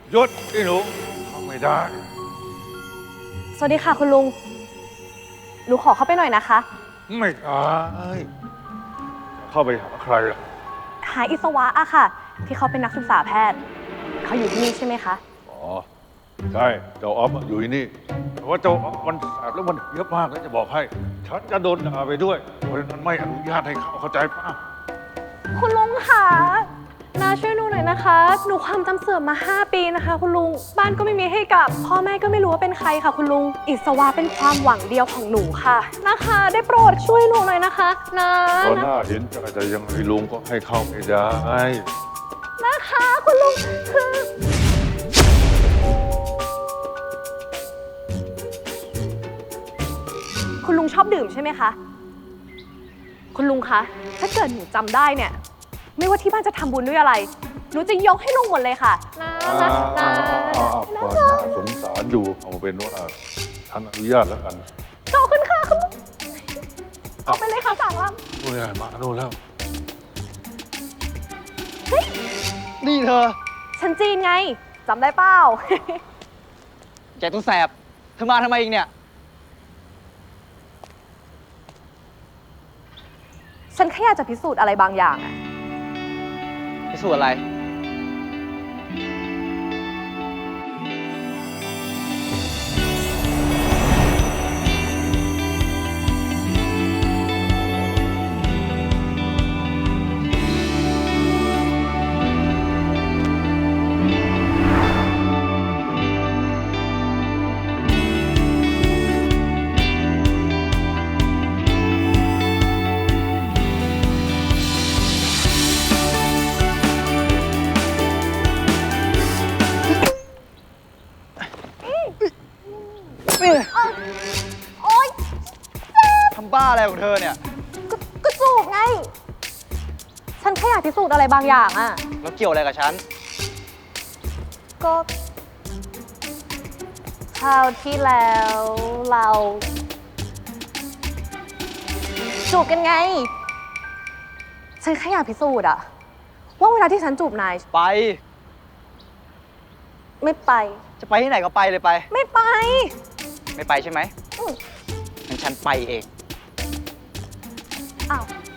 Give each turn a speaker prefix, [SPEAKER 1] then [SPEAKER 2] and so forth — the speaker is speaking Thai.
[SPEAKER 1] หยุดไอ้หนูเข้าไม่ได้
[SPEAKER 2] สวัสดีค่ะคุณลุง หนูขอเข้าไปหน่อยนะคะ
[SPEAKER 1] ไม่ได้เข้าไปหาใครล่ะ
[SPEAKER 2] หาอิศวะอะค่ะ ที่เขาเป็นนักศึกษาแพทย์ เขาอยู่ที่นี่ใช่ไหมคะ
[SPEAKER 1] อ๋อใช่เจ้าออฟอยู่ที่นี่แต่ว่าเจ้าออฟมันแสบแล้วมันเยอะมากแล้วจะบอกให้ฉันจะโดนด่าไปด้วยเพราะฉะนั้นไม่อนุญาตให้เข้าใจป่ะ
[SPEAKER 2] คุณลุงค่ะนาช่วยหนูหน่อยนะคะ หนูความจำเสื่อมมา 5 ปีนะคะ คุณลุง บ้านก็ไม่มีให้กลับ พ่อแม่ก็ไม่รู้ว่าเป็นใครค่ะ คุณลุง อิศวะเป็นความหวังเดียวของหนูค่ะ นะคะ ได้โปรดช่วยหนูหน่อยนะคะนะ
[SPEAKER 1] ตอนหน้าเห็นใจแต่ยังไงลุงก็ให้เข้าไม่ได้
[SPEAKER 2] นะคะ คุณลุงคือ คุณลุงชอบดื่มใช่ไหมคะ คุณลุงคะ ถ้าเกิดหนูจำได้เนี่ย ไม่ว่าที่บ้านจะทำบุญด้วยอะไร หนูจะยกให้ลุงหมดเลยค่ะนะนะนะ
[SPEAKER 1] ก็น่าสงสารอยู่เอาเป็นว่าท่านอนุญาตแล้วกัน
[SPEAKER 2] ขอบคุณค่ะคุณลุงเอาไปเลยค่ะสั่งล
[SPEAKER 1] โอ้ยมาโน่นแล้ว
[SPEAKER 3] นี่เธอ
[SPEAKER 2] ำฉันจีนไงจำได้เปล่า
[SPEAKER 3] แกตัวแสบ เธอมาทำไมอีกเนี่ย
[SPEAKER 2] ฉันแค่อยากจะพิสูจน์อะไรบางอย่างอะ
[SPEAKER 3] พิสูจน์อะไร
[SPEAKER 2] โอ๊ย
[SPEAKER 3] ทำบ้าอะไรของเธอเนี่ย
[SPEAKER 2] ก็จูบไง ฉันแค่อยากพิสูจน์อะไรบางอย่างอะ
[SPEAKER 3] แล้วเกี่ยวอะไรกับฉัน
[SPEAKER 2] ก็คราวที่แล้วเราจูบกันไง ฉันแค่อยากพิสูจน์อะว่าเวลาที่ฉันจูบนาย
[SPEAKER 3] ไป
[SPEAKER 2] ไม่ไป
[SPEAKER 3] จะไปที่ไหนก็ไปเลยไป
[SPEAKER 2] ไม่ไป
[SPEAKER 3] ไม่ไปใช่ไหม
[SPEAKER 2] อืม
[SPEAKER 3] งั้นฉันไปเอง
[SPEAKER 2] อ้าว